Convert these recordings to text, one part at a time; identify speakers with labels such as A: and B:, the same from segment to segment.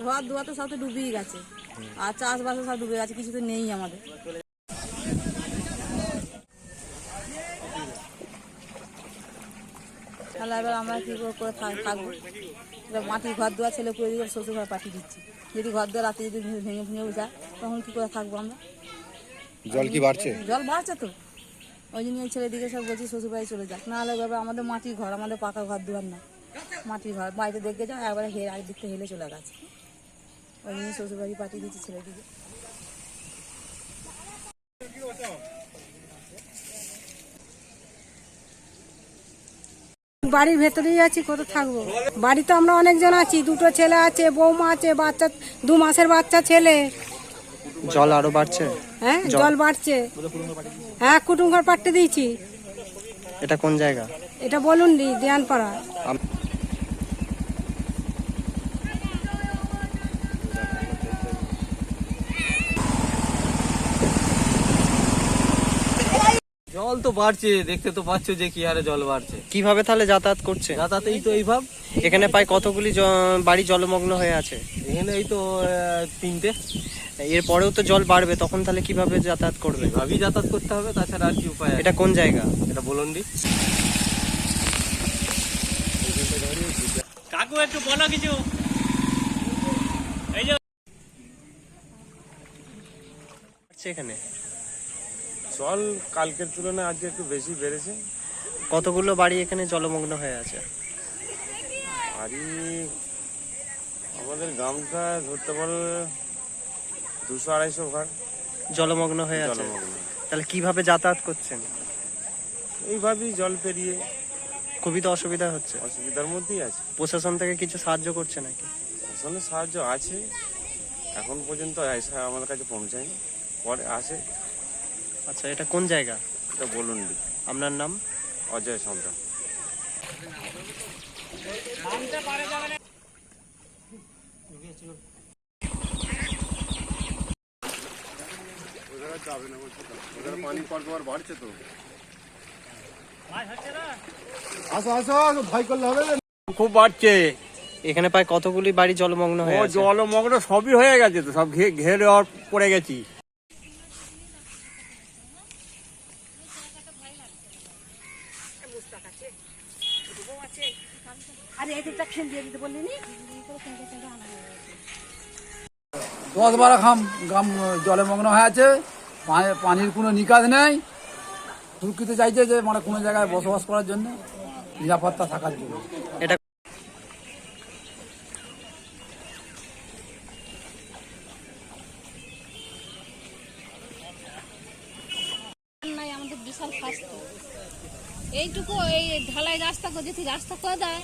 A: ঘর দুয়ার তো সব তো ডুবেই গেছে, আর চাষবাসও সব ডুবে গেছে, কিছু তো নেই আমাদের। তাহলে এবার আমরা কী করে থাকবো? এবার মাটির ঘর দুয়ার ছেলে করে দিয়ে শ্বশুর ঘর পাঠিয়ে দিচ্ছি। যদি ঘর দুয়ার রাতে যদি ভেঙে ভেঙে যায় তখন কী করে থাকবো আমরা?
B: জল কি বাড়ছে?
A: জল বাড়ছে তো, ওই জন্য এই ছেলেদিকে সব বলছি শ্বশুর বাড়ি চলে যাক, নাহলে এভাবে আমাদের মাটির ঘর, আমাদের পাকা ঘর দুয়ার না, মাটির ঘর। বাড়িতে দেখে যাও একবারে একদিক থেকে হেলে চলে গেছে, ওই জন্য শ্বশুর বাড়ি পাঠিয়ে দিচ্ছি ছেলেদিকে।
C: বাড়ির ভেতরেই আছি, কোথাও থাকবো? বাড়িতে আমরা অনেকজন আছি, দুটো ছেলে আছে, বৌমা আছে, বাচ্চা 2 মাসের বাচ্চা ছেলে।
D: জল আরো বাড়ছে?
C: হ্যাঁ, জল বাড়ছে। হ্যাঁ, কুটুম ঘর পাঠিয়ে দিয়েছি।
D: এটা কোন জায়গা?
C: এটা বলুন দেয়ানপাড়া।
E: জল তো বাড়ছে, দেখতে তো পাচ্ছ যে কি হারে জল বাড়ছে।
D: কিভাবে তাহলে যাতায়াত করছে?
E: যাতায়াত এই তো এইভাব।
D: এখানে প্রায় কতগুলি বাড়ি জলমগ্ন হয়ে আছে?
E: এখানে এই তো 3টে।
D: এরপরেও তো জল বাড়বে, তখন তাহলে কিভাবে যাতায়াত করবে?
E: এভাবেই যাতায়াত করতে হবে, তাছাড়া আর কি উপায় আছে?
D: এটা কোন জায়গা?
E: এটা বলুন্ডি। কাকু একটু বলো কিছু। এই যে
D: এখানে
F: জল কালকের তুলনায় আজকে একটু বেশি বেড়েছে।
D: কতগুলো বাড়ি এখানে জলমগ্ন হয়ে আছে?
F: বাড়ি আমাদের গ্রামটা ধরতে পারো 200-250 ঘর
D: জলমগ্ন হয়ে আছে।
F: জলমগ্ন।
D: তাহলে কিভাবে যাতায়াত করছেন?
F: এইভাবেই জল পেরিয়ে
D: খুবই তো অসুবিধা হচ্ছে।
F: অসুবিধার মধ্যেই আছে।
D: প্রশাসন থেকে কিছু সাহায্য করছে নাকি?
F: আসলে সাহায্য আছে, এখন পর্যন্ত এসে আমাদের কাছে পৌঁছায়নি, পরে আসে।
D: আচ্ছা, এটা কোন জায়গা?
F: এটা বলুন্ডি।
D: আপনার নাম?
F: অজয় সন্তান।
B: পানি পরপর বাড়ছে তো।
E: খুব বাড়ছে
D: এখানে প্রায় কতগুলি বাড়ি জলমগ্ন হয়ে আছে?
E: জলমগ্ন সবই হয়ে গেছে তো, সব ঘেরে পড়ে গেছি।
C: আরে এটা খেল দিয়ে দিতে বললি নি?
G: 10-12 গ্রাম জলমগ্ন হয়ে আছে, পানির কোনো নিকাজ নেই। সুরক্ষিত চাইছে যে মানে কোনো জায়গায় বসবাস করার জন্য, নিরাপত্তা থাকার জন্য।
D: এটা
H: নাই, আমাদের বিশাল ফাস্ট এইটুকু, এই ঢালাই রাস্তা করে যদি রাস্তা করে দেয়।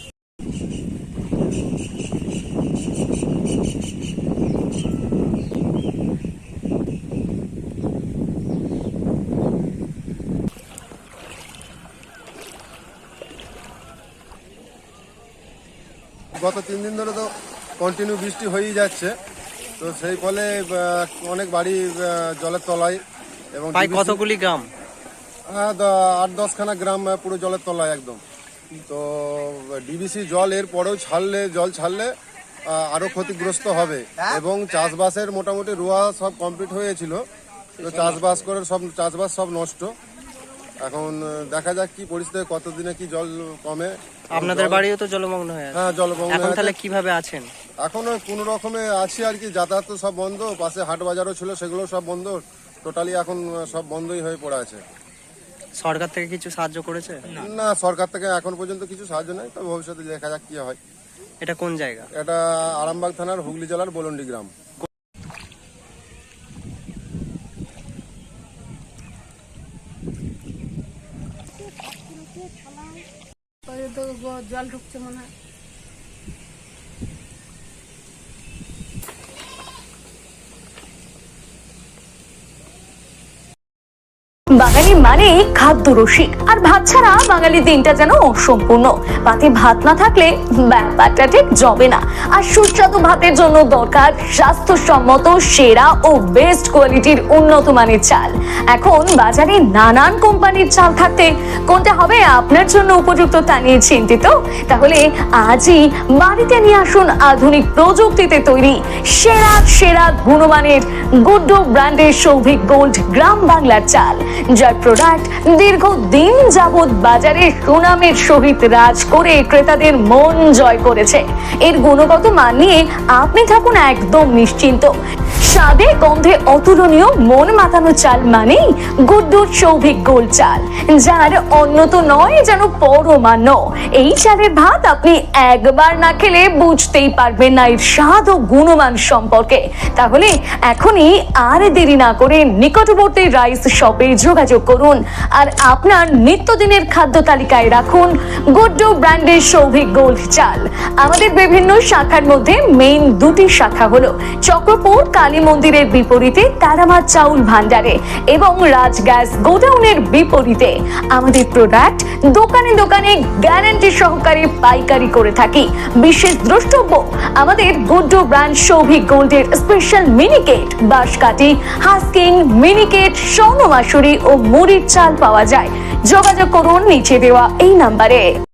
B: গত 3 দিন ধরে তো কন্টিনিউ বৃষ্টি হয়েই যাচ্ছে, তো সেই ফলে অনেক বাড়ি জলের তলায়। এবং
D: প্রায় কতগুলি গ্রাম?
B: 8-10 খানা গ্রাম পুরো জলের তলায় একদম। তো ডিবিসি জল এর পরেও জল ছাড়লে আরো ক্ষতিগ্রস্ত হবে। এবং চাষবাসের মোটামুটি রোয়া সব কমপ্লিট হয়েছিল, তো চাষবাস সব নষ্ট। এখন দেখা যাক কি পরিস্থিতি, কতদিনে কি জল কমে।
D: আপনাদের বাড়িও তো জলমগ্ন হয়ে আছে?
B: হ্যাঁ, জলমগ্ন।
D: এখন তাহলে কিভাবে আছেন?
B: এখনো কোন রকমে আছি আর কি, যাতায়াত তো সব বন্ধ, পাশে হাট বাজারও ছিল সেগুলো সব বন্ধ, টোটালি এখন সব বন্ধই হয়ে পড়ে আছে।
D: সরকার থেকে কিছু সাহায্য করেছে?
B: না, সরকার থেকে এখন পর্যন্ত কিছু সাহায্য নেই, তবে ভবিষ্যতে দেখা যাক কি হয়।
D: এটা কোন জায়গা?
B: এটা আরামবাগ থানার হুগলি জেলার বলন্ডি গ্রাম।
C: জল ঢুকছে মনে হয়।
I: বাঙালি মানে খাদ্য রসিক, আর ভাত ছাড়া বাঙালি দিনটা যেন অসম্পূর্ণ। পাতে ভাত না থাকলে ব্যাপারটা ঠিক জমে না। আর সুস্বাদু ভাতের জন্য দরকার স্বাস্থ্যসম্মত সেরা ও বেস্ট কোয়ালিটির উন্নত মানের চাল। এখন বাজারে নানান কোম্পানির চাল থাকতে কোনটা হবে আপনার জন্য উপযুক্ত তা নিয়ে চিন্তিত? তাহলে আজই বাড়িতে নিয়ে আসুন আধুনিক প্রযুক্তিতে তৈরি সেরা সেরা গুণমানের গুড্ডু ব্র্যান্ডের সৌভিক গোল্ড গ্রাম বাংলার চাল, যার প্রোডাক্ট দীর্ঘদিন যাবৎ বাজারে সুনামের সহিত রাজ করে ক্রেতাদের মন জয় করেছে। এর গুণগত মান নিয়ে আপনি থাকুন একদম নিশ্চিন্ত। স্বাদে গন্ধে অতুলনীয় মন মাতানো চাল মানেই গুড্ডুর সৌভিক গোল্ড চাল, যার অন্যত নয় যেন পরমান্ন। এই চালের ভাত আপনি একবার না খেলে বুঝতেই পারবেন না এর স্বাদ ও গুণমান সম্পর্কে। তাহলে এখনই আর দেরি না করে নিকটবর্তী রাইস শপে যোগাযোগ করুন আর আপনার নিত্যদিনের খাদ্য তালিকায় রাখুন গুড্ডু ব্র্যান্ডের সৌভিক গোল্ড চাল। আমাদের বিভিন্ন শাখার মধ্যে মেইন দুটি শাখা হলো চক্রপুর কালী মন্দিরের বিপরীতে তারামা চাউল ভান্ডারে এবং রাজ গ্যাস গোডাউনের বিপরীতে। আমাদের প্রোডাক্ট দোকানে দোকানে গ্যারান্টি সহকারে পাইকারি করে থাকি। বিশেষ দ্রষ্টব্য, আমাদের গুড্ডু ব্র্যান্ড সৌভিক গোল্ডের স্পেশাল মিনিকেট, বাঁশকাঠি, হাস্কিং, মিনিকেট, স্বর্ণ মাসুরি ও মুড়ির চাল পাওয়া যায়। যোগাযোগ করুন নিচে দেওয়া এই নাম্বারে।